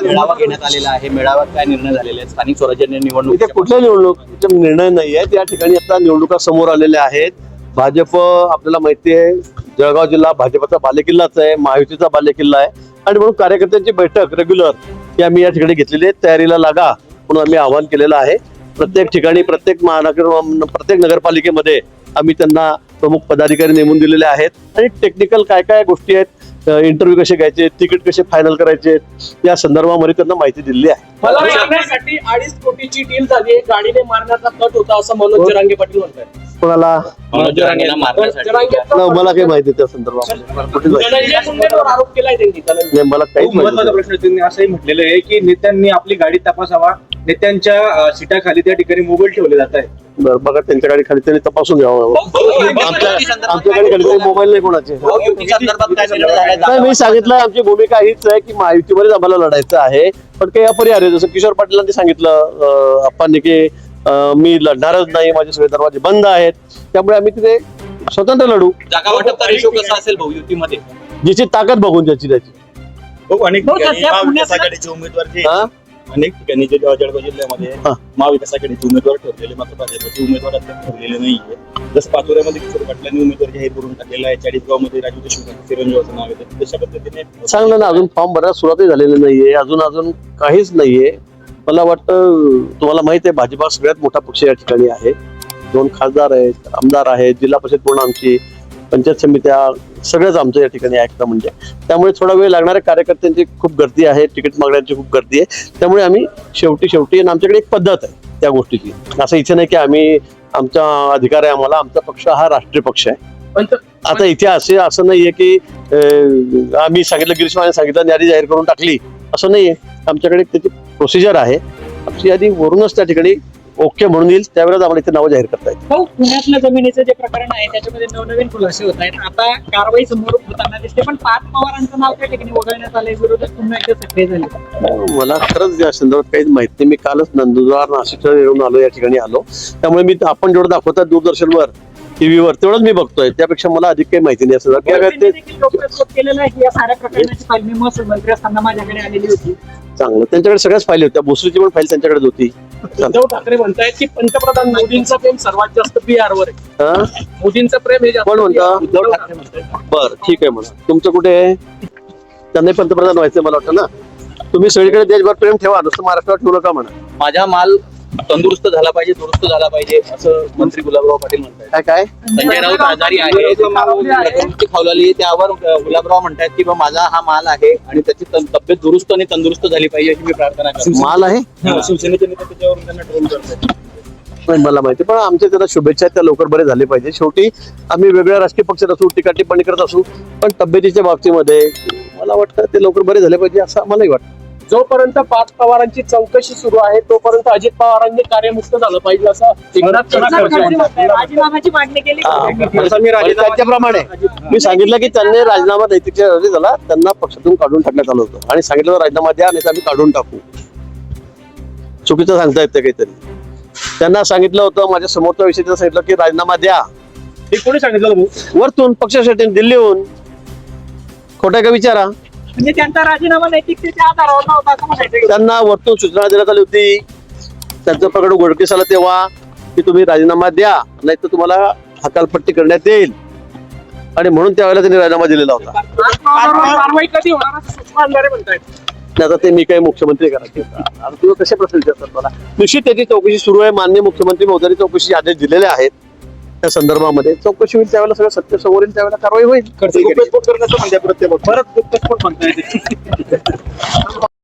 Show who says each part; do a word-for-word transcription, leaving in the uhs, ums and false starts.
Speaker 1: मेळावा घेण्यात आलेला आहे. मेळाव्यात काय निर्णय झालेले आहेत? स्थानिक स्वराज्य निवडणूक
Speaker 2: इथे कुठल्या निवडणुकीचे निर्णय नाही आहेत. या ठिकाणी आता निवडणुका समोर आलेल्या आहेत. भाजप आपल्याला माहिती आहे जळगाव जिल्हा भाजपचा बालेकिल्लाच आहे, महायुतीचा बालेकिल्ला आहे आणि म्हणून कार्यकर्त्यांची बैठक रेग्युलर ही आम्ही या ठिकाणी घेतलेली आहे. तयारीला लागा म्हणून आम्ही आवाहन केलेलं आहे. प्रत्येक ठिकाणी प्रत्येक महानगर प्रत्येक नगरपालिकेमध्ये आम्ही त्यांना प्रमुख पदाधिकारी नेमून दिलेले आहेत आणि टेक्निकल काय काय गोष्टी आहेत, इंटरव्ह्यू कसे घ्यायचे, तिकीट कसे फायनल करायचे या संदर्भामध्ये त्यांना माहिती दिलेली आहे.
Speaker 3: मला मारण्यासाठी अडीच कोटीची डील झाली आहे, गाडीने मारण्याचा कट होता असं मनोज जरांगे पाटील म्हणतात.
Speaker 2: कोणाला
Speaker 1: मनोज जरांगेला मारण्यासाठी
Speaker 2: मला काही माहिती त्या संदर्भात कुठे
Speaker 3: धनंजय मुंडेंवर आरोप केलाय त्यांनी.
Speaker 2: मला काहीच
Speaker 4: महत्वाचा
Speaker 2: माहिती
Speaker 4: प्रश्न त्यांनी असंही म्हटलेलं आहे की नेत्यांनी आपली गाडी तपासावा. नेत्यांच्या सीटाखाली त्या ठिकाणी मोबाईल ठेवले जात आहे.
Speaker 2: बरं बघा त्यांच्या गाडी खाली त्यांनी तपासून घ्यावं. आमच्या आमच्या गाडी खाली काही मोबाईल नाही कोणाचे.
Speaker 1: युती संदर्भात काय निर्णय झाले?
Speaker 2: नाही मी सांगितलं आमची भूमिका हीच आहे की महायुतीमध्येच आम्हाला लढायचं आहे. पण काही अपरिहार्य जसं किशोर पाटीलांनी सांगितलं अप्पांनी की मी लढणारच नाही, माझे सगळे दरवाजे बंद आहेत, त्यामुळे आम्ही तिथे स्वतंत्र लढू.
Speaker 1: जागा वाटपचा रेशो कसा असेल भाऊ युतीमध्ये?
Speaker 2: जिची ताकद बघून ज्याची त्याची.
Speaker 4: अनेक
Speaker 3: पुण्यात
Speaker 4: आघाडीचे उमेदवार जे
Speaker 2: हा
Speaker 4: अनेक ठिकाणी जे जळगाव जिल्ह्यामध्ये
Speaker 2: हा.
Speaker 4: महाविकास आघाडीचे उमेदवार ठरलेले मात्र भाजपचे उमेदवार अद्याप ठरलेले नाहीये. जसं पाचोऱ्यामध्ये किशोर पाटलांनी उमेदवार जाहीर करून टाकलेला आहे. चाळीसगाव मध्ये राजू देशमुख चिरंजीवाचं नाव आहे. तशा पद्धतीने
Speaker 2: चांगलं ना, अजून फॉर्म भरायला सुरुवातही झालेली नाहीये, अजून अजून काहीच नाहीये. मला वाटतं तुम्हाला माहित आहे भाजप हा सगळ्यात मोठा पक्ष या ठिकाणी आहे. दोन खासदार आहेत, आमदार आहेत, जिल्हा परिषद पूर्ण आमची, पंचायत समित्या सगळ्याच आमचं या ठिकाणी ऐकतं म्हणजे. त्यामुळे थोडा वेळ लागणाऱ्या कार्यकर्त्यांची खूप गर्दी आहे, तिकीट मागण्यांची खूप गर्दी आहे. त्यामुळे आम्ही शेवटी शेवटी आणि आमच्याकडे एक पद्धत आहे त्या गोष्टीची. असं इथे नाही की आम्ही आमचा अधिकार आहे आम्हाला, आमचा पक्ष हा राष्ट्रीय पक्ष आहे. आता इथे असे असं नाहीये की आम्ही सांगितलं गिरीश महाजन सांगितलं यादी जाहीर करून टाकली असं नाहीये. आमच्याकडे त्याची प्रोसिजर आहे. आमची यादी वरूनच त्या ठिकाणी ओके म्हणून येईल त्यावेळेस आम्हाला इथे नावं जाहीर करता येईल.
Speaker 3: भाऊ पुण्यातलं जमिनीचं जे प्रकरण आहे त्याच्यामध्ये नवनवीन खुलासे होत आहेत. आता कारवाई समोर होताना दिसते, पण पाच पवारांचं नाव त्या ठिकाणी वगळण्यात आलंय, विरोधक पुन्हा एकदा सक्रिय झाले.
Speaker 2: मला खरंच या संदर्भात काहीच माहिती नाही. मी कालच नंदुरबार नाशिकला येऊन आलो, या ठिकाणी आलो, त्यामुळे मी आपण जेवढं दाखवतात दूरदर्शनवर टीव्हीवर तेवढंच मी बघतोय, त्यापेक्षा मला अधिक काही माहिती नाही. असं
Speaker 3: केलेलं आहे की या साऱ्या प्रकरणाची फाईल मी महसूल मंत्री असताना माझ्याकडे आलेली होती.
Speaker 2: चांगलं, त्यांच्याकडे सगळ्याच फाईल होत्या, भोसरीची पण फाईल त्यांच्याकडेच होती.
Speaker 3: उद्धव ठाकरे म्हणतायत की पंतप्रधान मोदींचं प्रेम सर्वात जास्त बिहारवर आहे.
Speaker 2: हा
Speaker 3: मोदींचं प्रेम हे जास्त
Speaker 2: कोण म्हणता?
Speaker 3: उद्धव ठाकरे म्हणतात.
Speaker 2: बर ठीक आहे म्हणा. तुमचं कुठे आहे? त्यांनाही पंतप्रधान व्हायचं मला वाटतं ना. तुम्ही सगळीकडे देशभर प्रेम ठेवा, नुसतं महाराष्ट्रावर ठेवू नका म्हणा.
Speaker 1: माझा माल तंदुरुस्त झाला पाहिजे, दुरुस्त झाला पाहिजे असं मंत्री गुलाबराव पाटील म्हणतात.
Speaker 2: काय काय
Speaker 1: संजय राऊत आजारी आहे, प्रकृती खावलेली, त्यावर गुलाबराव म्हणतात की बा माझा हा माल आहे आणि त्याची तन- तब्येत दुरुस्त आणि तंदुरुस्त झाली पाहिजे अशी मी प्रार्थना करतो.
Speaker 2: माल आहे?
Speaker 4: शिवसेनेचे नेते त्याच्यावरून त्यांना ट्रोल करतात.
Speaker 2: नाही मला माहिती, पण आमच्या त्याला शुभेच्छा आहेत, त्या लवकर बरे झाले पाहिजे. शेवटी आम्ही वेगळ्या राजकीय पक्षात असू, टीका टिप्पणी करत असू, पण तब्येतीच्या बाबतीमध्ये मला वाटतं ते लवकर बरे झाले पाहिजे असं आम्हालाही वाटतं.
Speaker 3: जोपर्यंत पाच पवारांची चौकशी सुरू आहे तोपर्यंत अजित पवारांनी कार्यमुक्त झालं पाहिजे असं एकनाथ खडसे म्हणतात. राजीनाम्याची मागणी केली.
Speaker 2: त्याप्रमाणे मी सांगितलं की त्यांनी राजीनामा नैतिकच्या झाला, त्यांना पक्षातून काढून टाकण्यात आलं होतं आणि सांगितलं राजीनामा द्या नाही तर आम्ही काढून टाकू. चुकीचं सांगता येतं काहीतरी. त्यांना सांगितलं होतं, माझ्या समोरच्या विषयी सांगितलं की राजीनामा द्या.
Speaker 4: हे कोणी सांगितलं भाऊ?
Speaker 2: वरतून पक्षासाठी दिल्लीहून. खोटा का विचारा.
Speaker 3: म्हणजे त्यांचा राजीनामा नैतिकतेच्या आधारावर नव्हता असं म्हणायचं.
Speaker 2: त्यांना वरतून सूचना देण्यात आली होती. त्यांचं प्रकरण उघडकीस आलं तेव्हा की तुम्ही राजीनामा द्या नाही तर तुम्हाला हकालपट्टी करण्यात येईल आणि म्हणून त्यावेळेला त्यांनी राजीनामा दिलेला होता.
Speaker 3: कारवाई कधी होणार असं सूचना अंधारे म्हणतायत.
Speaker 2: आता ते मी काही मुख्यमंत्री करायचे तुम्ही कसे प्रश्न विचारतात मला. निश्चित त्याची चौकशी सुरू आहे. माननीय मुख्यमंत्री महोदयांनी चौकशी आदेश दिलेले आहेत. त्या संदर्भामध्ये चौकशी होईल, त्यावेळेला सगळं सत्य समोर येईल, त्यावेळेला कारवाई होईल.
Speaker 4: करण्याचं म्हणजे परत म्हणताय